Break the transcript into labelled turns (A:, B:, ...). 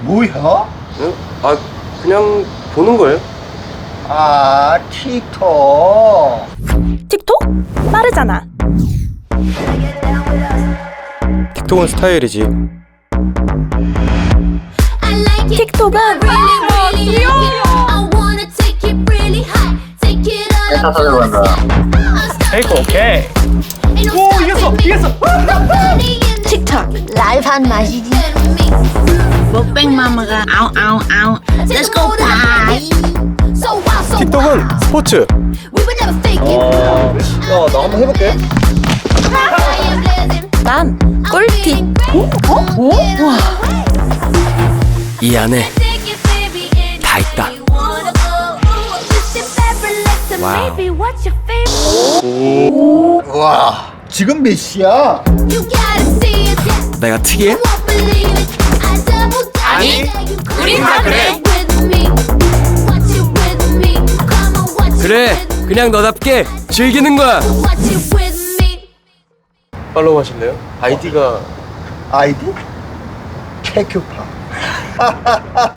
A: 뭐야?
B: 응? 아, 그냥 보는 거예요.
A: 아, 틱톡.
C: 틱톡? 빠르잖아.
B: 틱톡은 스타일이지.
C: 틱톡은
A: 회사사를 간다.
B: 테이크 오케이.
A: 오, 이겼어! 이겼어!
C: 틱톡.
D: 라이브한 맛이지. 먹뱅 마마가 아우 Let's go party.
B: 틱톡은 스포츠.
A: 야, 나 한번 해볼게.
C: 난 꿀팁.
B: 이 안에 다 있다. 와우.
A: 와, 지금 몇 시야?
B: 내가 특이해?
D: 아니, 우린 다 그래.
B: 그래, 그냥 너답게 즐기는 거야. 팔로우 하실래요? 아이디가
A: 아이디? 캐큐파.